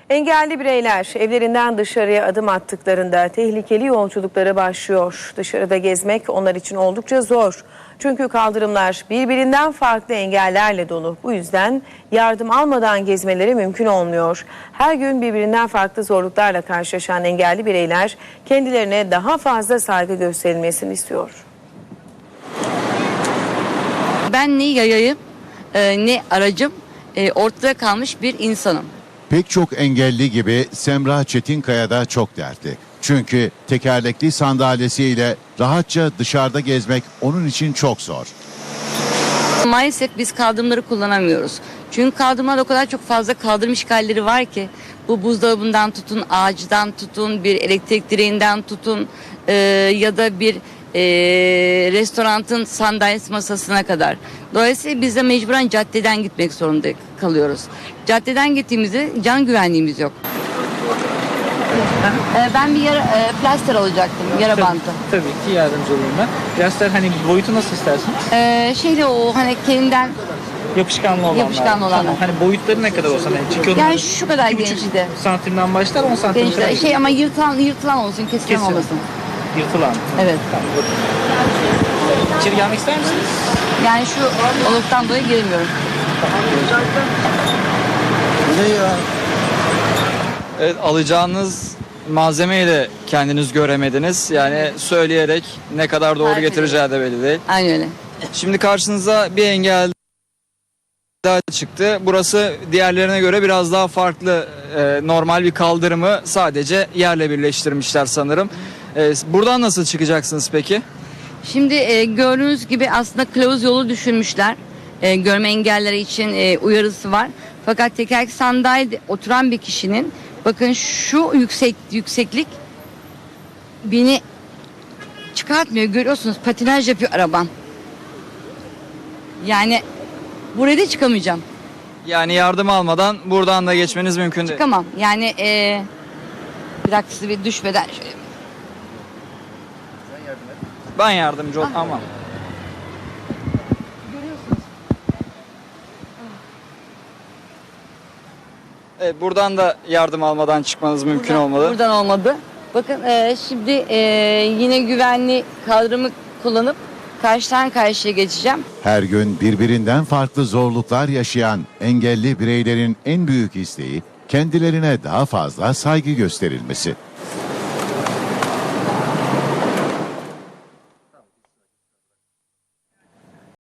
Engelli bireyler evlerinden dışarıya adım attıklarında tehlikeli yolculuklara başlıyor. Dışarıda gezmek onlar için oldukça zor. Çünkü kaldırımlar birbirinden farklı engellerle dolu. Bu yüzden yardım almadan gezmeleri mümkün olmuyor. Her gün birbirinden farklı zorluklarla karşılaşan engelli bireyler kendilerine daha fazla saygı gösterilmesini istiyor. Ben ne yayayım ne aracım, ortada kalmış bir insanım. Pek çok engelli gibi Semra Çetinkaya da çok dertli. Çünkü tekerlekli sandalyesiyle rahatça dışarıda gezmek onun için çok zor. Maalesef biz kaldırımları kullanamıyoruz. Çünkü kaldırımlarda o kadar çok fazla kaldırım işgalleri var ki, bu buzdolabından tutun, ağaçtan tutun, bir elektrik direğinden tutun ya da bir restoranın sandalyesi masasına kadar. Dolayısıyla biz de mecburen caddeden gitmek zorunda kalıyoruz. Caddeden gittiğimizde can güvenliğimiz yok. Ben bir plaster alacaktım, yara bantı. Tabii ki yardımcı olayım ben. Plaster hani boyutu nasıl istersiniz? Şeyle o hani kendinden Yapışkanlı olanlar. Yapışkanlı olanlar. Tamam. Hani boyutları ne kadar olsa? Çünkü yani şu kadar genişti. santimden başlar 10 santim kadar. Gençler, ama yırtılan olsun, kesilen olmasın. Yırtılan. Evet. Tamam. İçeri gelmek ister misiniz? Yani şu oluktan dolayı giremiyorum. Evet, alacağınız malzemeyi de kendiniz göremediniz. Yani söyleyerek ne kadar doğru Harika. getireceği de belli değil. Aynen öyle. Şimdi karşınıza bir engel daha çıktı. Burası diğerlerine göre biraz daha farklı. Normal bir kaldırımı sadece yerle birleştirmişler sanırım. Buradan nasıl çıkacaksınız peki? Şimdi gördüğünüz gibi aslında kılavuz yolu düşünmüşler. Görme engelleri için uyarısı var. Fakat tekerlekli sandalyede oturan bir kişinin, bakın şu yükseklik beni çıkartmıyor. Görüyorsunuz, patinaj yapıyor arabam. Yani buraya da çıkamayacağım. Yani yardım almadan buradan da geçmeniz mümkün değil. Çıkamam. Yani bir dakika, size bir düşmeden şöyle. Ben yardımcı ol. Aman. Evet, buradan da yardım almadan çıkmanız mümkün olmadı. Buradan olmadı. Bakın şimdi yine güvenli kaldırımı kullanıp karşıdan karşıya geçeceğim. Her gün birbirinden farklı zorluklar yaşayan engelli bireylerin en büyük isteği kendilerine daha fazla saygı gösterilmesi.